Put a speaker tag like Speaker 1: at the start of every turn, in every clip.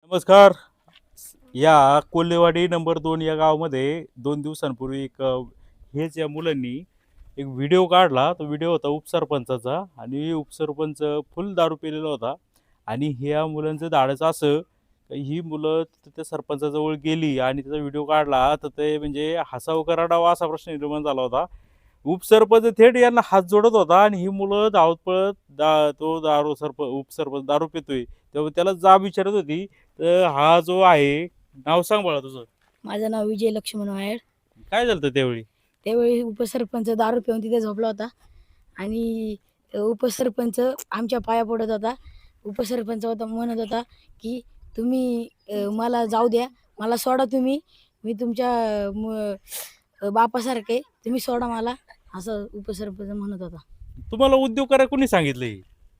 Speaker 1: नमस्कार. या कोल्हेवाडी नंबर 2 या गावामध्ये 2 दिवसांपूर्वी हेच या मुलांनी एक व्हिडिओ काढला. तो व्हिडिओ होता उपसरपंचाचा आणि उपसरपंच फुल दारू पिलेला होता आणि ह्या मुलांचं धाडस असं ही मुलं त्या सरपंचाजवळ गेली आणि त्याचा व्हिडिओ काढला, तर ते म्हणजे हसावं का रडावं असा प्रश्न निर्माण झाला होता. उपसरपंच थेट यांना हात जोडत होता आणि ही मुलं धावत पळत तो उपसरपंच दारू पितोय तेव्हा त्याला जाब विचारत होती. तर हा जो आहे, नाव सांग बाळा तुझं.
Speaker 2: माझं नाव विजय लक्ष्मण वायर.
Speaker 1: काय झालं होतं त्यावेळी?
Speaker 2: त्यावेळी उपसरपंच दारू पिऊन तिथे झोपला होता आणि उपसरपंच आमच्या पाया पडत होता. उपसरपंच म्हणत होता की तुम्ही मला जाऊ द्या, मला सोडा, तुम्ही, मी तुमच्या बापासारखे, तुम्ही सोडा मला, असं उपसरपंच म्हणत होता.
Speaker 1: तुम्हाला उद्योग करायला कोणी सांगितलं?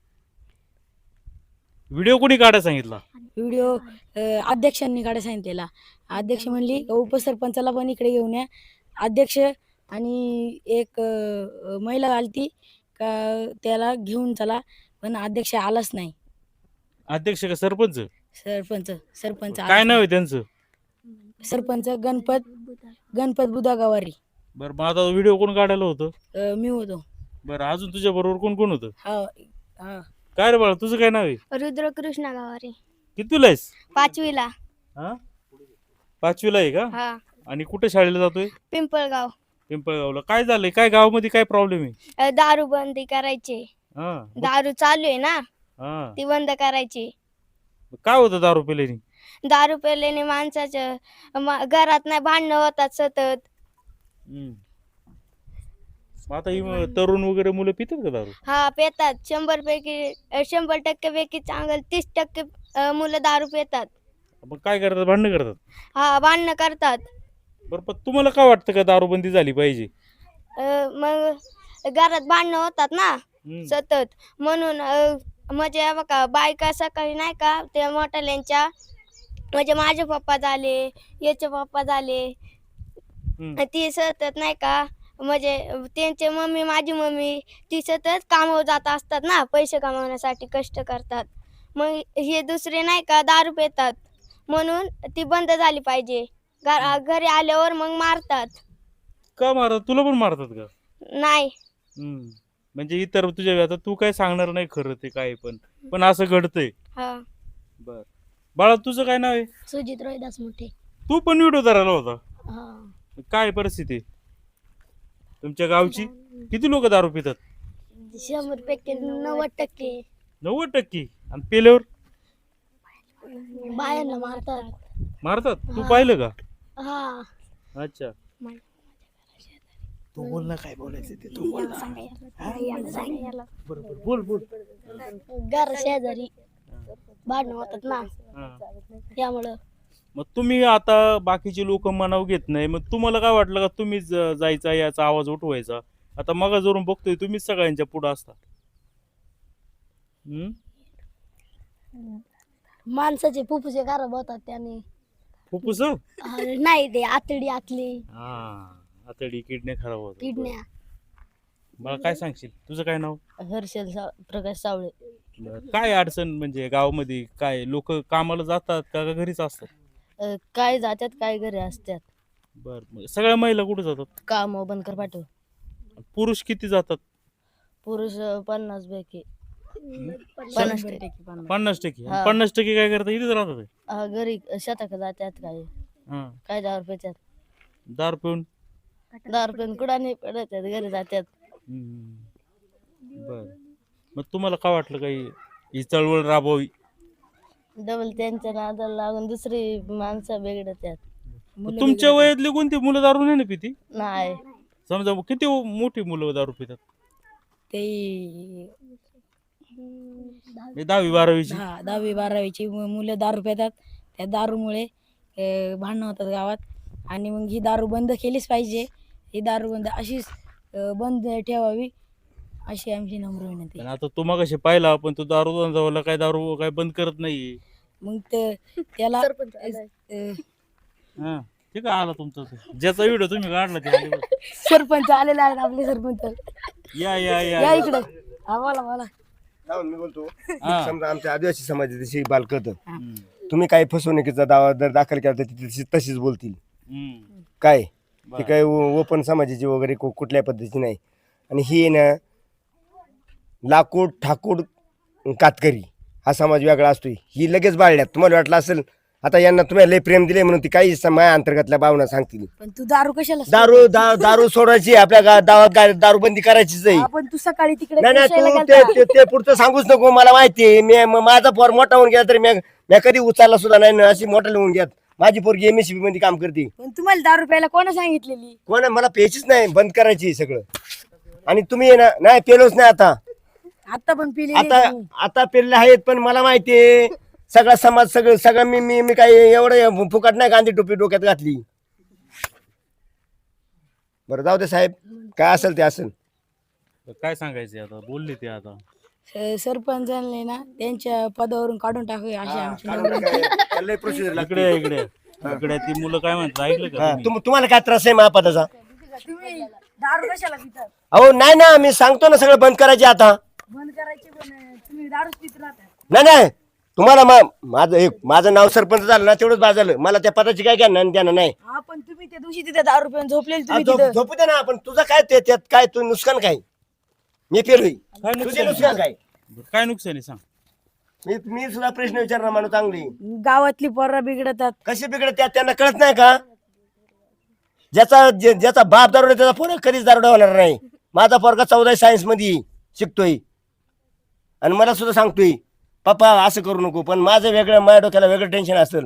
Speaker 1: व्हिडिओ कोणी काढायला सांगितला?
Speaker 2: व्हिडिओ अध्यक्षांनी काढायला सांगितलेला. अध्यक्ष म्हणली उपसरपंचाला पण इकडे घेऊन या. अध्यक्ष आणि एक महिला आलती का त्याला घेऊन चला, पण अध्यक्ष आलाच नाही.
Speaker 1: अध्यक्ष का सरपंच?
Speaker 2: सरपंच
Speaker 1: काय नाव आहे त्यांचं?
Speaker 2: सरपंच गणपत बुधा गवारी.
Speaker 1: बरं, मग आता व्हिडिओ कोण काढायला होतं?
Speaker 2: मी होतो.
Speaker 1: बरं, अजून तुझ्या बरोबर कोण कोण होतं?
Speaker 2: हा.
Speaker 1: काय रे बाळा, तुझं काय नाव आहे?
Speaker 3: रुद्रकृष्ण गवारी.
Speaker 1: कितवीला आहेस?
Speaker 3: 5वीला.
Speaker 1: हा, 5वीला आहे का?
Speaker 3: हा.
Speaker 1: आणि कुठे शाळेला जातोय?
Speaker 3: पिंपळगाव.
Speaker 1: पिंपळगावला. काय झालंय? काय गावामध्ये काय प्रॉब्लेम आहे?
Speaker 3: दारू बंदी करायची.
Speaker 1: हा.
Speaker 3: दारू चालू आहे ना,
Speaker 1: हा.
Speaker 3: ती बंद करायची.
Speaker 1: काय होतं दारू पिल्याने?
Speaker 3: दारू पेल्याने माणसाच्या घरात नाही भांडणं होतात सतत.
Speaker 1: मग आता ही तरुण वगैरे मुलं पितात का दारू?
Speaker 3: हा, पेतात. 100% पैकी चांगलं 30% मुलं दारू पितात.
Speaker 1: मग काय करतात? भांडणं करतात?
Speaker 3: हा, भांडणं करतात.
Speaker 1: बरं, पण तुम्हाला काय वाटतं का दारूबंदी झाली पाहिजे?
Speaker 3: मग घरात भांडणं होतात ना सतत, म्हणून म्हणजे बघा, बायका सकाळी नाही का त्या मोठ्याल्यांच्या, म्हणजे माझे पप्पा झाले, याचे पप्पा झाले, ती सतत नाही का, म्हणजे त्यांचे मम्मी, माझी मम्मी, ती सतत कामावर जात असतात ना, पैसे कमावण्यासाठी कष्ट करतात. मग हे दुसरे नाही का दारू पितात, म्हणून ती बंद झाली पाहिजे. घरी आल्यावर मग मारतात.
Speaker 1: का मारतात? तुला पण मारतात का?
Speaker 3: नाही.
Speaker 1: म्हणजे इतर तुझ्या, आता तू काय सांगणार नाही खरं ते काय, पण असं घडतंय.
Speaker 3: हा.
Speaker 1: बर बाळा, तुझं काय नाव आहे?
Speaker 2: सुजित रोहिदास मोठे.
Speaker 1: तू पण व्हिडिओ धरायला होता?
Speaker 2: हा.
Speaker 1: काय परिस्थिती तुमच्या गावची? किती लोक दारू पितात?
Speaker 2: 100% 90%.
Speaker 1: 90%? आणि पेल्यावर
Speaker 2: बायांना मारतात.
Speaker 1: मारतात? तू पाहिलं का?
Speaker 2: हा.
Speaker 1: अच्छा. तू बोल ना, काय बोलायचं ते तू बोल ना. बरोबर, बोल बोल.
Speaker 2: घर शेजारी भांडणं होतात ना, त्यामुळं.
Speaker 1: मग तुम्ही आता बाकीचे लोक मनाव घेत नाही, मग तुम्हाला काय वाटलं का तुम्हीच जायचा, याचा आवाज उठवायचा? आता मग जरून बघतोय तुम्हीच सगळ्यांच्या पुढे असता.
Speaker 2: माणसाचे फुफ्फुसे खराब होतात त्याने.
Speaker 1: फुफ्फुस?
Speaker 2: नाही, ते आतडी आतली.
Speaker 1: आतडी, किडण्या खराब होतात.
Speaker 2: किडण्या.
Speaker 1: मला काय सांगशील? तुझं काय नाव?
Speaker 2: हर्षल प्रकाश सावळे.
Speaker 1: काय अडचण म्हणजे गावामध्ये? काय लोक कामाला जातात का घरीच असतात?
Speaker 2: काय जातात, काय घरी असतात.
Speaker 1: बर, सगळ्या महिला कुठे जातात?
Speaker 2: काम बंद पाठव.
Speaker 1: पुरुष किती जातात?
Speaker 2: पुरुष 50 पैकी
Speaker 1: 50%. 50% काय करतात? इथेच राहतात?
Speaker 2: घरी शेतात जातात. काय दारू पितात.
Speaker 1: दारू पिऊन
Speaker 2: कुठं नाही पडत, घरी जातात.
Speaker 1: बर, मग तुम्हाला काय वाटलं काही ही चळवळ राबवावी?
Speaker 2: डबल त्यांच्या नादाला लागून दुसरी माणसं बिघडतात.
Speaker 1: तुमच्या वयातली कोणती मुलं दारू नाही ना पिती?
Speaker 2: नाही.
Speaker 1: समजा किती मोठी मुलं दारू पितात?
Speaker 2: ते
Speaker 1: 10वी-12वीची.
Speaker 2: 10वी-12वीची मुलं दारू पितात. त्या दारूमुळे भांडणं होतात गावात. आणि मग ही दारू बंद केलीच पाहिजे. ही दारू बंद अशीच बंद ठेवावी, अशी आमची नम्र विनंती.
Speaker 1: आता तू मगाशी पाहिला, पण तू दारू काय दारू काय बंद करत नाही.
Speaker 2: मग त्याला
Speaker 1: ठीक आहे, आला तुमचा ज्याचा व्हिडिओ तुम्ही काढला ते
Speaker 2: सरपंच आलेला आहे. आपले सरपंच
Speaker 1: या या या
Speaker 2: या इकडे. बोला.
Speaker 4: मी बोलतो, समजा आमच्या आदिवासी समाजाची बालकत तुम्ही काही फसवणुकीचा दावा जर दाखल केला तर ती तशीच बोलतील.
Speaker 1: हम्म.
Speaker 4: काय ते
Speaker 1: बरं.
Speaker 4: काय ओपन समाजाची वगैरे कुठल्या पद्धतीची नाही. आणि ही ना लाकूड ठाकूड कातकरी हा समाज वेगळा असतोय. ही लगेच बाळल्यात. तुम्हाला वाटलं असेल आता यांना तुम्ही लय प्रेम दिले म्हणून ती काही माया अंतर्गतल्या भावना सांगतील.
Speaker 2: पण तू दारू कशाला
Speaker 4: दारू सोडायची आपल्या गावात दारूबंदी करायचीच आहे.
Speaker 2: आपण तू सकाळी तिकडे
Speaker 4: नाही
Speaker 2: पेशायला
Speaker 4: तू
Speaker 2: गेलता.
Speaker 4: ते पुढचं सांगूच नको. मला माहिती आहे. माझा पोर मोठा होऊन गेला तरी मी कधी उचलला सुद्धा नाही ना. अशी मोठा लिहून घ्यात. माझी पोरगी MSCB मध्ये काम करते.
Speaker 2: पण तुम्हाला दारू प्यायला कोणा सांगितलेली?
Speaker 4: कोण मला प्यायचीच नाही, बंद करायची सगळं. आणि तुम्ही ना नाही पेलोच नाही
Speaker 2: आता पण पिली
Speaker 4: आता पेरले आहेत. पण मला माहितीये सगळा समाज सगळं मी काही एवढं फुकट नाही गांधी टोपी डोक्यात घातली. बरं जाऊ दे साहेब, काय असेल ते असेल.
Speaker 1: काय सांगायचं आता, बोलले ते आता.
Speaker 2: सरपंचांनी ना त्यांच्या पदावरून काढून टाकूया अशी आमची
Speaker 4: प्रोसिजर
Speaker 1: इकडे इकडे इकडे ती मुलं काय म्हणतात ऐकलं का तुम्ही?
Speaker 4: तुम्हाला काय त्रास आहे महापदाचा?
Speaker 2: तुम्ही दारू कशाला पितात?
Speaker 4: अहो नाही ना, मी सांगतो ना सगळं बंद करायचे आता.
Speaker 2: बंद करायची पण तुम्ही दारूच पित राहता.
Speaker 4: नाही तुम्हाला माझं नाव सरपंच झालं ना तेवढंच बाद झालं. मला त्या पदाची काय ज्ञान नाही.
Speaker 2: हा पण तुम्ही त्या दिवशी तिथे दारू पिऊन झोपलेले तुम्ही तिथं.
Speaker 4: झोपू दे ना. पण तुझं काय त्यात काय तू नुकसान काय? मी पेरलोय.
Speaker 1: काय
Speaker 4: तुझे
Speaker 1: नुकसान
Speaker 4: नुकसान काय?
Speaker 1: काय नुकसान आहे सांग.
Speaker 4: मी सुद्धा प्रश्न विचारणार माणूस चांगली.
Speaker 2: गावातली पोरं बिघडतात.
Speaker 4: कसे बिघडत त्यांना कळत नाही का? ज्याचा बाप दारोडा त्याचा पोरगा कधीच दारोडा होणार नाही. माझा पोरगा 14 सायन्स मध्ये शिकतोय आणि मला सुद्धा सांगतोय पप्पा असं करू नको. पण माझं वेगळं, माझ्या डोक्याला वेगळं टेन्शन असेल.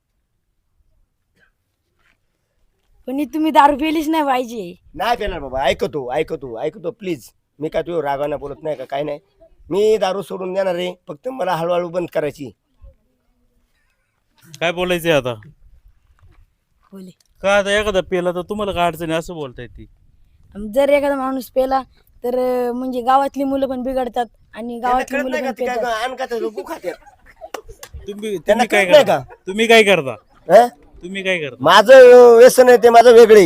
Speaker 2: पण ही तुम्ही दारू पिलीच नाही पाहिजे.
Speaker 4: नाही पेणार बाबा. ऐकतो प्लीज. मी काय तुझ्या रागाने बोलत नाही का काय नाही. मी दारू सोडून देणार आहे. फक्त मला हळूहळू बंद करायची.
Speaker 1: काय बोलायचंय आता?
Speaker 2: बोले
Speaker 1: का आता एखादा पेला तर तुम्हाला काय अडचण आहे असं बोलताय ती?
Speaker 2: जर एखादा माणूस पेला तर म्हणजे गावातली मुलं पण बिघडतात आणि गावातली
Speaker 4: कळत
Speaker 2: मुलं
Speaker 4: नाही का
Speaker 2: पण
Speaker 4: ते काय
Speaker 2: पेतात.
Speaker 4: अन्न खातात, गु खातात.
Speaker 1: तुम्ही
Speaker 4: त्यांना
Speaker 1: काय
Speaker 4: कळत नाही
Speaker 1: करता?
Speaker 4: का?
Speaker 1: तुम्ही काय करता?
Speaker 4: हं?
Speaker 1: तुम्ही काय करता?
Speaker 4: माझं व्यसन आहे ते माझं वेगळे.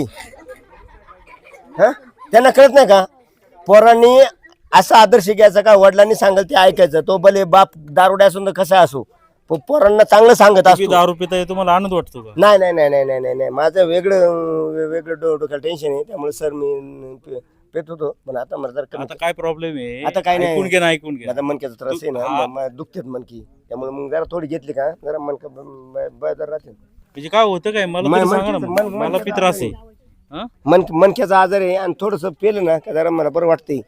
Speaker 4: त्यांना कळत नाही का? पोरांनी असा आदर्श घ्यायचा का वडिलांनी सांगेल ते ऐकायचं. तो भले बाप दारुडा असून तर कसा असो, पण पोरांना चांगलं सांगत
Speaker 1: तुम्ही
Speaker 4: असतो.
Speaker 1: दारू पिताय तुम्हाला आनंद वाटतो का?
Speaker 4: नाही माझं वेगळं डोक्याला टेन्शन आहे. त्यामुळे सर मी पेत होतो. पण आता मला जरा कमी.
Speaker 1: आता काय प्रॉब्लेम आहे?
Speaker 4: आता काय नाही.
Speaker 1: ऐकून घे.
Speaker 4: माझा मनक्याचा त्रास आहे ना, दुखतेत मनकी. त्यामुळे मग जरा थोडी घेतली का जरा मनका बळदार राहते.
Speaker 1: म्हणजे काय होतं काय मला तरी सांगा ना. मला पी त्रास आहे. हं?
Speaker 4: मनक्याचा आजार आहे आणि थोडस पेलं ना का जरा मला बरं वाटतंय.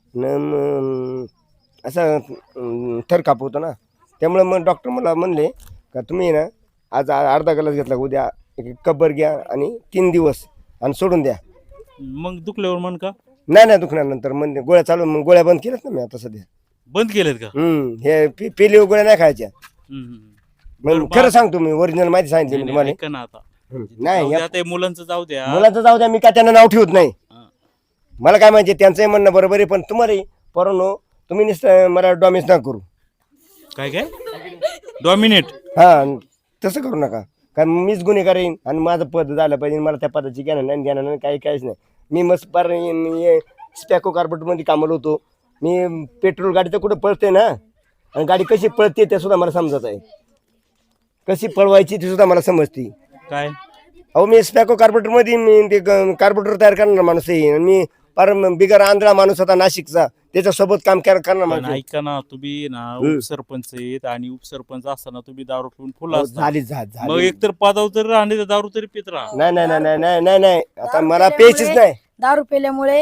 Speaker 4: असं थर कापवतो ना. त्यामुळे मग डॉक्टर मला म्हणले का तुम्ही ना आज अर्धा ग्लास घेतला, उद्या एक कब्बर घ्या आणि 3 दिवस आणि सोडून द्या.
Speaker 1: मग दुखल्यावर मन का?
Speaker 4: नाही दुखणार. नंतर म्हणजे गोळ्या चालू, मग गोळ्या बंद केल्यात ना मी आता सध्या.
Speaker 1: बंद केलेत का?
Speaker 4: हे पेली गोळ्या नाही खायच्या. मग खरं सांगतो मी, ओरिजिनल माहिती सांगितली मी तुम्हाला.
Speaker 1: ऐका ना आता.
Speaker 4: नाही
Speaker 1: जाऊ द्या, ते मुलांचं जाऊ द्या.
Speaker 4: मुलाचं जाऊ द्या. मी काय त्यांना नाव ठेवत नाही.
Speaker 1: हं.
Speaker 4: मला काय माहिती त्यांचंही म्हणणं बरोबर आहे. पण तुम्हाला पोरांनो तुम्ही नुसतं मला डॉमिस ना करू.
Speaker 1: काय डॉमिनेट?
Speaker 4: हा तसं करू नका. कारण मीच गुन्हेगार येईन आणि माझं पद झालं पाहिजे. मला त्या पदाची ज्ञान नाही काहीच नाही. मी मस्त पार स्पॅको कार्बोरेटरमध्ये कामाला होतो. मी पेट्रोल गाडी तर कुठं पळते ना, आणि गाडी कशी पळते ते सुद्धा मला समजत आहे. कशी पळवायची ते सुद्धा मला समजते.
Speaker 1: काय?
Speaker 4: अहो मी स्पॅको कार्बोरेटरमध्ये मी ते कार्बोरेटर तयार करणार माणूस आहे. आणि मी पार बिगर आंधळा माणूस होता नाशिकचा, त्याच्यासोबत काम करणार
Speaker 1: पण
Speaker 4: माणूस.
Speaker 1: ऐका ना, तुम्ही ना उपसरपंच आहेत आणि उपसरपंच असताना तुम्ही दारू पिऊन फुल असता.
Speaker 4: झाली
Speaker 1: मग एकतर पदावर तरी राहणे तर दारू तरी पित राहा.
Speaker 4: नाही आता मला प्यायचीच नाही.
Speaker 2: दारू पेल्यामुळे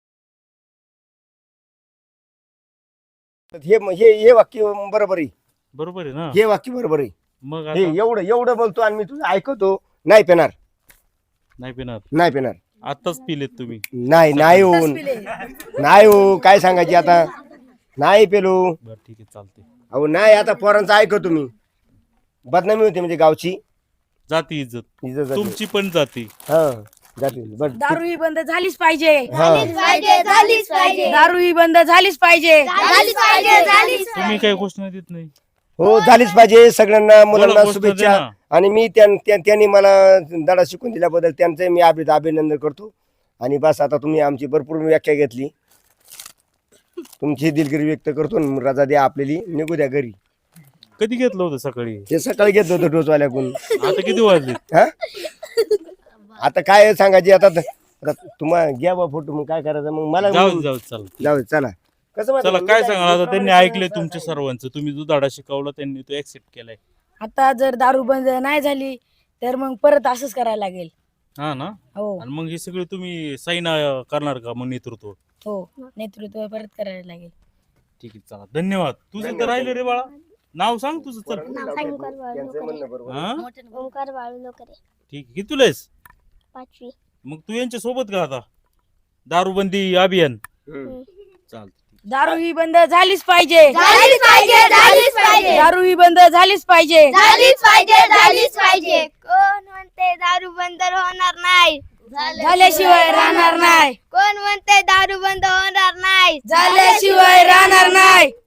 Speaker 4: हे वाक्य बरोबर आहे.
Speaker 1: बरोबर आहे ना?
Speaker 4: हे वाक्य बरोबर आहे.
Speaker 1: मग
Speaker 4: हे
Speaker 1: आता
Speaker 4: एवढं बोलतो आणि मी तुझं ऐकतो. नाही पेणार.
Speaker 1: नाही पिणार. आताच पिलेत तुम्ही?
Speaker 4: नाही हो काय सांगायची आता. नाही पेलो.
Speaker 1: बरं ठीक आहे, चालते.
Speaker 4: अहो नाही आता पोरांचं ऐकतो तुम्ही. बदनामी होते म्हणजे गावची
Speaker 1: जाती इज्जत
Speaker 4: जाते.
Speaker 1: तुमची पण जाती.
Speaker 4: हा जाते. बरं
Speaker 2: दारू ही बंद झालीच पाहिजे.
Speaker 3: झालीच पाहिजे
Speaker 2: दारू ही बंद झालीच पाहिजे.
Speaker 1: तुम्ही काही घोषणा देत नाही?
Speaker 4: हो झालीच पाहिजे. सगळ्यांना मुलांना
Speaker 1: घोषणा
Speaker 4: शुभेच्छा.
Speaker 1: दे ना.
Speaker 4: आणि मी त्यांनी मला धडा शिकून दिल्याबद्दल त्यांचं मी अभिनंदन करतो. आणि बस आता तुम्ही आमची भरपूर व्याख्या घेतली. तुमची दिलगिरी व्यक्त करतो. रजा द्या आपल्याला, निघू द्या घरी.
Speaker 1: कधी घेतलं होतं सकाळी?
Speaker 4: ते सकाळी घेत होतो डोसवाल्याकडून.
Speaker 1: आता किती वाजले?
Speaker 4: हा आता काय सांगायची आता तुम्हाला घ्या बा फोटो, मग काय करायचं मग मला
Speaker 1: जाऊ जाऊ चला
Speaker 4: जाऊ चला. कसं माहिती
Speaker 1: चला
Speaker 4: का,
Speaker 1: काय
Speaker 4: मी
Speaker 1: सांगाल आता? त्यांनी ऐकले तुमच्या सर्वांचं, तुम्ही जो धडा शिकवला त्यांनी तो ऍक्सेप्ट केलाय.
Speaker 2: आता जर दारू बंद नाही झाली तर मग परत असंच करायला लागेल.
Speaker 1: हा ना.
Speaker 2: हो
Speaker 1: आणि मग हे सगळे तुम्ही साईन करणार का मग नेतृत्व?
Speaker 2: हो नेतृत्व परत करायला लागेल.
Speaker 1: ठीक आहे चला धन्यवाद. तुझं तर राहिलं रे बाळा, नाव सांग तुझं. चल
Speaker 4: त्यांचं म्हणणं बरोबर.
Speaker 1: हा
Speaker 3: ओंकार बाळू लोकरे,
Speaker 1: ठीक आहे. किती तुला आहेस?
Speaker 3: 5वी.
Speaker 1: मग तू यांच्या सोबत का आता दारूबंदी अभियान?
Speaker 4: हम्म.
Speaker 1: चालतं.
Speaker 2: दारू ही बंद झालीच पाहिजे.
Speaker 3: झालीच पाहिजे, झालीच पाहिजे,
Speaker 2: दारू ही बंद झालीच पाहिजे.
Speaker 3: झालीच पाहिजे, झालीच पाहिजे. कोण म्हणते दारू बंद होणार नाही?
Speaker 2: झाल्याशिवाय राहणार नाही.
Speaker 3: कोण म्हणते दारू बंद होणार नाही?
Speaker 2: झाल्याशिवाय राहणार नाही.